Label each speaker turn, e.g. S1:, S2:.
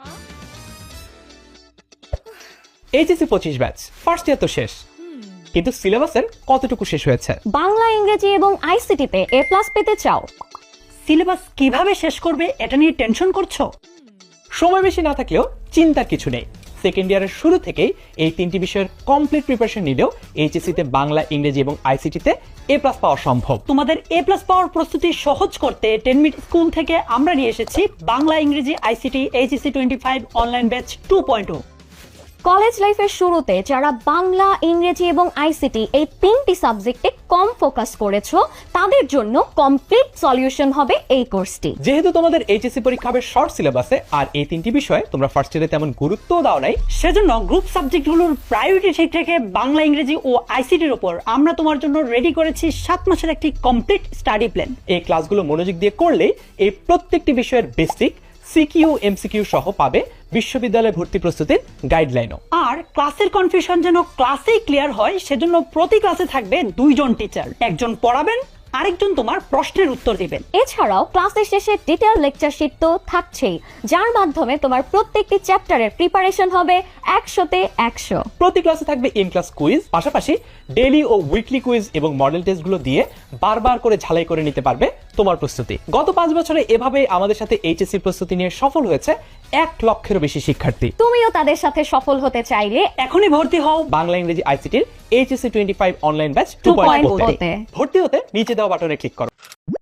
S1: HSC 25 batch first year তো শেষ, কিন্তু সিলেবাসের কতটুকু শেষ হয়েছে?
S2: বাংলা, ইংরেজি এবং আইসিটিতে A+ পেতে চাও?
S3: সিলেবাস কিভাবে শেষ করবে এটা নিয়ে টেনশন করছো?
S1: সময় বেশি না থাকলেও চিন্তার কিছু নেই। সেকেন্ড ইয়ারের শুরু থেকেই এই তিনটি বিষয়ের কমপ্লিট প্রিপারেশন নিলেও এইচএসসিতে বাংলা, ইংরেজি এবং আইসিটিতে A+ পাওয়া সম্ভব।
S3: তোমাদের A+ পাওয়ার প্রস্তুতি সহজ করতে 10 মিনিট স্কুল থেকে আমরা নিয়ে এসেছি বাংলা, ইংরেজি, ICT HSC 25 online batch 2.0।
S2: College লাইফের শুরুতে যারা বাংলা, ইংরেজি এবং আইসিটি এই তিনটি সাবজেক্টে কম ফোকাস করেছো তাদের জন্য কমপ্লিট সলিউশন হবে এই কোর্সটি।
S1: যেহেতু তোমাদের এইচএসসি পরীক্ষা হবে শর্ট সিলেবাসে আর এই তিনটি বিষয়ে তোমরা ফার্স্ট ইয়ারে তেমন গুরুত্বও দাও নাই,
S3: সেজন্য গ্রুপ সাবজেক্টগুলোর প্রায়োরিটি ঠিক রেখে বাংলা, ইংরেজি ও আইসিটির উপর আমরা তোমার জন্য রেডি করেছি 7 মাসের একটি কমপ্লিট স্টাডি প্ল্যান।
S1: এই ক্লাসগুলো মনোযোগ দিয়ে করলে এই প্রত্যেকটি বিষয়ের বেসিক, সিকিউ, এমসিকিউ সহ পাবে বিশ্ববিদ্যালয় ভর্তি প্রস্তুতির গাইডলাইনও।
S3: আর ক্লাসের কনফিউশন যেন ক্লাসেই ক্লিয়ার হয় সেজন্য প্রতি ক্লাসে থাকবে 2 জন টিচার, একজন পড়াবেন, আরেকজন তোমার প্রশ্নের উত্তর দিবেন।
S2: এছাড়াও ক্লাসের শেষে ডিটেইল লেকচার শিট তো থাকছেই, যার মাধ্যমে তোমার প্রত্যেকটি চ্যাপ্টারের প্রিপারেশন হবে 100তে 100।
S1: প্রতি ক্লাসে থাকবে ইন ক্লাস কুইজ, পাশাপাশি ডেইলি ও উইকলি কুইজ এবং মডেল টেস্টগুলো দিয়ে বারবার করে ঝালাই করে নিতে পারবে তোমার প্রস্তুতি। গত 5 বছরে এভাবে আমাদের সাথে এইচএসসি প্রস্তুতি নিয়ে সফল হয়েছে 1 লক্ষেরও বেশি শিক্ষার্থী।
S2: তুমিও তাদের সাথে সফল হতে চাইলে
S3: এখনই ভর্তি হও
S1: বাংলা, ইংরেজি, আইসিটির এইচএসসি 25 অনলাইন ব্যাচ
S2: 2.0
S1: 2.0 ভর্তি হতে নিচে দেওয়া বাটনে ক্লিক করো।